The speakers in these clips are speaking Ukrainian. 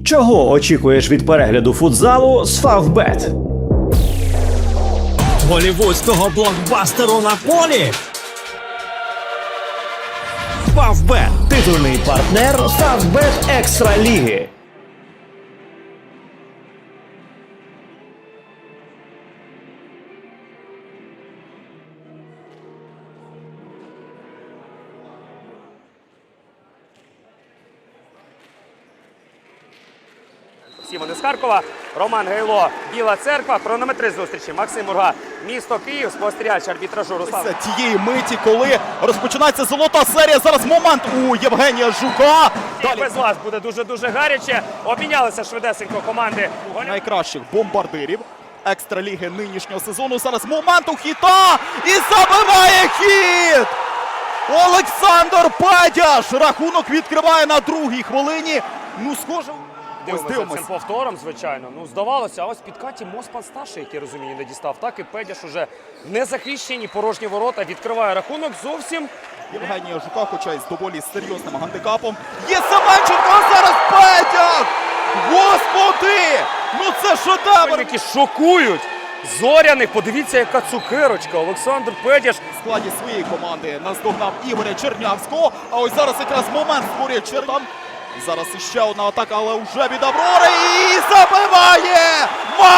Чого очікуєш від перегляду футзалу з Фавбет? Голівудського блокбастеру на полі. Фавбет – Титульний партнер Фавбет Екстра Ліги. Всі вони з Харкова, Роман Гайло, Біла Церква, хронометрист зустрічі Максим Урга, місто Київ, спостерігач арбітражу Руслан. Тієї миті, коли розпочинається золота серія, зараз момент у Євгенія Жука. Далі Без вас буде дуже-дуже гаряче. Обмінялися швидесенько команди. найкращих бомбардирів екстраліги нинішнього сезону. Зараз момент у Хіта і забиває хід! Олександр Педяш рахунок відкриває на другій хвилині. Ну, схоже, ось Дивимося цим повтором, звичайно. Ну, здавалося, а ось під Каті Моспан старший, як я розумію, не дістав. Так і Педяш уже не захищені, порожні ворота, відкриває рахунок зовсім. Євгенія Жука, хоча й з доволі серйозним гандикапом. Є Семенченко, а зараз Педяш! Господи! Ну це шедевр! Які шокують Зоряних. Подивіться, яка цукерочка. Олександр Педяш. В складі своєї команди наздогнав Ігоря Чернявського. А ось зараз якраз момент створює Черням. Зараз іще одна атака, але вже від Аврори. І забиває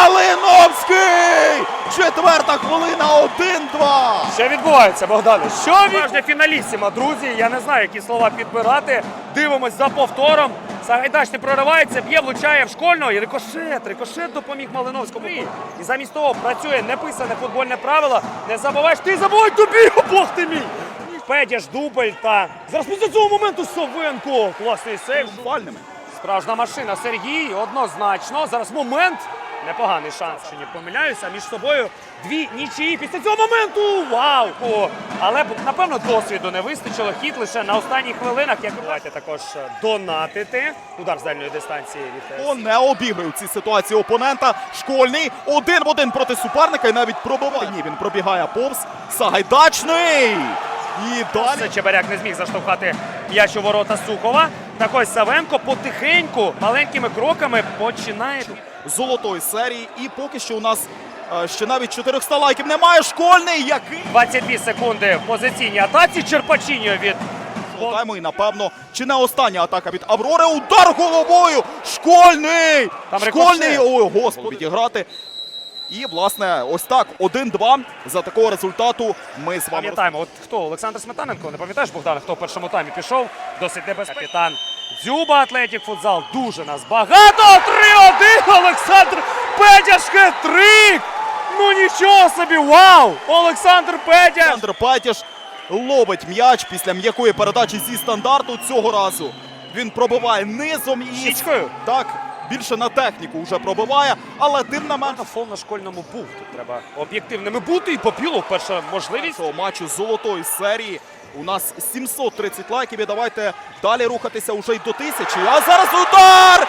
Малиновський! Четверта хвилина, 1-2. Що відбувається, Богдане? Що відбувається? Фіналісіма, друзі. Я не знаю, які слова підбирати. Дивимось за повтором. Сагайдачний проривається, б'є, влучає в Школьного. І рикошет допоміг Малиновському. І замість того працює неписане футбольне правило. Не забуваєш, ти забувай тобі, о, Бог ти мій! Педяш, дубль та... Зараз після цього моменту Совенко. Класний сейв. Фальними. Справжня машина Сергій, однозначно. Зараз момент. Непоганий шанс, що не помиляюся. Між собою дві нічиї після цього моменту. Вау! Але, напевно, досвіду не вистачило. Хід лише на останніх хвилинах. Як давайте також донатити. Удар з дальньої дистанції від... Не обігрує в цій ситуації опонента. Школьний 1 в 1 проти суперника і навіть пробиває. Ні, він пробігає повз. Сагайдачний! І далі Чебаряк не зміг заштовхати м'яч у ворота Сухова. Так ось Савенко потихеньку, маленькими кроками починає... золотої серії. І поки що у нас ще навіть 400 лайків немає. Школьний, який... 22 секунди в позиційній атаці. Черпачіньо від... Шоутайму і, напевно, чи не остання атака від Аврори. Удар головою! Школьний! Там Школьний! рикошет. Ой, господи, відіграти. І, власне, ось так, 1-2. За такого результату ми з вами... Пам'ятаємо, от хто? Олександр Сметаненко. Не пам'ятаєш, Богдан, хто в першому таймі пішов? Досить небезпечний. Капітан Дзюба, Атлетік Футзал. Дуже нас багато. 3-1. Олександр Педяш хет-трик. Ну нічого собі, вау! Олександр Педяш. Олександр Педяш ловить м'яч після м'якої передачі зі стандарту. Цього разу він пробиває низом і... Щічкою? Так, більше на техніку вже пробиває, але тим не менше... Фол на Школьному був. Тут треба об'єктивними бути. І Попілов перша можливість. Цього матчу золотої серії. У нас 730 лайків і давайте далі рухатися уже й до 1000. А зараз удар!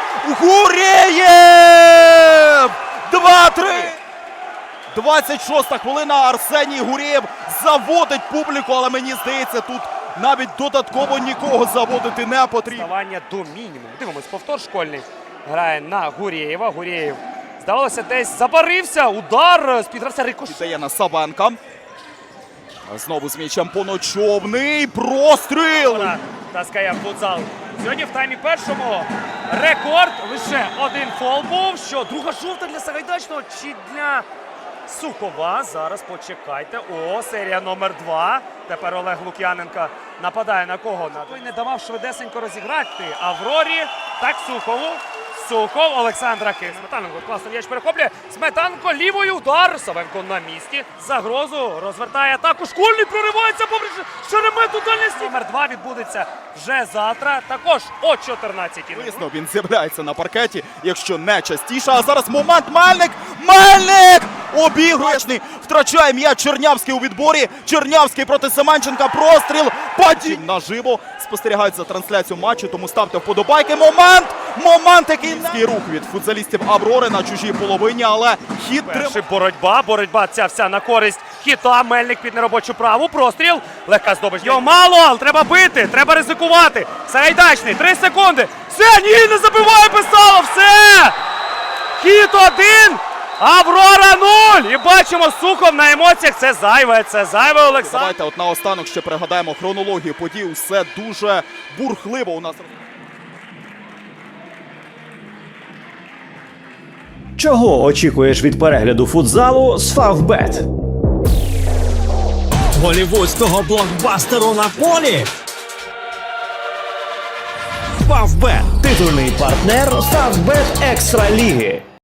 Гурєєв! 2-3! 26-та хвилина. Арсеній Гурєєв заводить публіку, але мені здається, тут навіть додатково нікого заводити не потрібно. Ставання до мінімуму. Дивимось, повтор Школьний. Грає на Гурєєва. Гурєєв, здавалося, десь забарився. Удар з-під гравця рикошет. Віддає на Савенка. Знову з м'ячем Поночовний. Простріл! Таскає Футзал. Сьогодні в таймі першому рекорд. Лише один фол був. Що, друга жовта для Сагайдачного чи для Сухова? Зараз почекайте. О, серія номер 2. Тепер Олег Лук'яненко нападає на кого? Той не давав швидесенько розіграти Аврорі. Так, Сухову. Сухов, Олександра Кис. Сметаненко класно м'яч перехоплює. Сметаненко лівою, удар. Савенко на місці. Загрозу розвертає атаку. Школьний проривається попри Шеремету дальності. Номер 2 відбудеться вже завтра. Також о 14-й. Звісно, він з'являється на паркеті, якщо не частіше. А зараз момент. Мельник! Мельник! Обіграшний! Втрачає м'яч Чернявський у відборі. Чернявський проти Семенченка. Простріл. Падінь наживо. Спостерігають за трансляцією матчу, тому ставте вподобайки. Момент! Момент, який рух від футзалістів Аврори на чужій половині, але хід Перший боротьба ця вся на користь Хіта. Мельник під неробочу праву. Простріл. Легка здобич. Його мало, але треба бити, треба ризикувати. Сагайдачний, 3 секунди. Все, ні, не забиває Писалов. все! Хід 1, Аврора 0! І бачимо, Сухов на емоціях. Це зайве, Олександр. Давайте от наостанок ще пригадаємо хронологію подій. Все дуже бурхливо у нас. Чого очікуєш від перегляду футзалу з Фавбет? Голівудського блокбастеру на полі. Фавбет. Титульний партнер Фавбет Екстра Ліги.